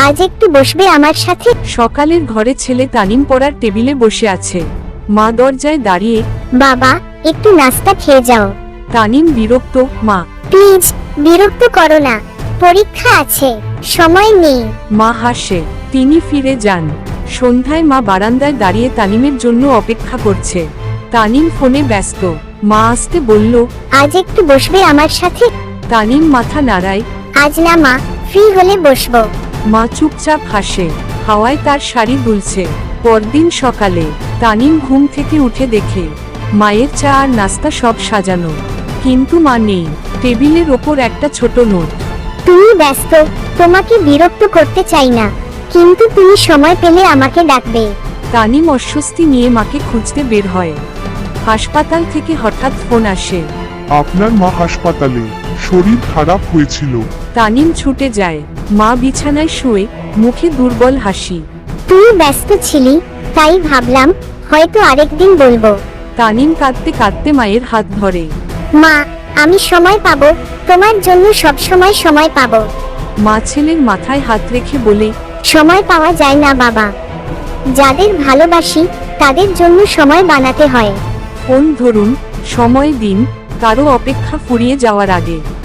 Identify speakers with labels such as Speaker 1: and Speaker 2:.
Speaker 1: আজ একটু বসবে আমার সাথে?
Speaker 2: সকালের ঘরে ছেলে তানিম পড়ার টেবিলে বসে আছে। মা দরজায় দাঁড়িয়ে।
Speaker 1: বাবা, একটু নাস্তা খেয়ে যাও।
Speaker 2: তানিম বিরক্ত। মা,
Speaker 1: প্লিজ, বিরক্ত করো না, পরীক্ষা আছে, সময় নেই।
Speaker 2: মা হাসে। তিনি ফিরে যান। সন্ধ্যায় মা বারান্দায় দাঁড়িয়ে তানিমের জন্য অপেক্ষা করছে। তানিম ফোনে ব্যস্ত। মা আসতে বলল,
Speaker 1: আজ একটু বসবে আমার সাথে?
Speaker 2: তানিম মাথা নাড়ায়।
Speaker 1: আজ না মা, ফ্রি হলে বসবো।
Speaker 2: মা চুপচাপ হাসে। হাওয়ায় তার শাড়ি দুলছে। পরদিন সকালে তানিম ঘুম থেকে উঠে দেখে মায়ের চা আর নাস্তা সব সাজানো, কিন্তু মা নেই। টেবিলের ওপর একটা ছোট নোট।
Speaker 1: তুমি ব্যস্ত, তোমাকে বিরক্ত করতে চাই না, কিন্তু তুমি সময় পেলে আমাকে ডাকবে।
Speaker 2: তানিম অস্বস্তি নিয়ে মাকে খুঁজতে বের হয়। হাসপাতাল থেকে হঠাৎ ফোন আসে।
Speaker 3: আপনার মা হাসপাতালে, শরীর খারাপ হয়েছিল।
Speaker 2: তানিম ছুটে যায়। মা বিছানায় শুয়ে, মুখে দুর্বল হাসি।
Speaker 1: তুই ব্যস্ত ছিলি, তাই ভাবলাম হয়তো আরেকদিন বলবো।
Speaker 2: তানিম কাঁদতে কাঁদতে মায়ের হাত ধরে।
Speaker 1: মা, আমি সময় পাবো, তোমার জন্য সব সময় সময় পাবো।
Speaker 2: মা ছেলের মাথায় হাত রেখে বলে,
Speaker 1: সময় পাওয়া যায় না বাবা, যাদের ভালোবাসি তাদের জন্য সময় বানাতে হয়।
Speaker 2: ফোন ধরুন, সময় দিন, কারো অপেক্ষা ফুরিয়ে যাওয়ার আগে।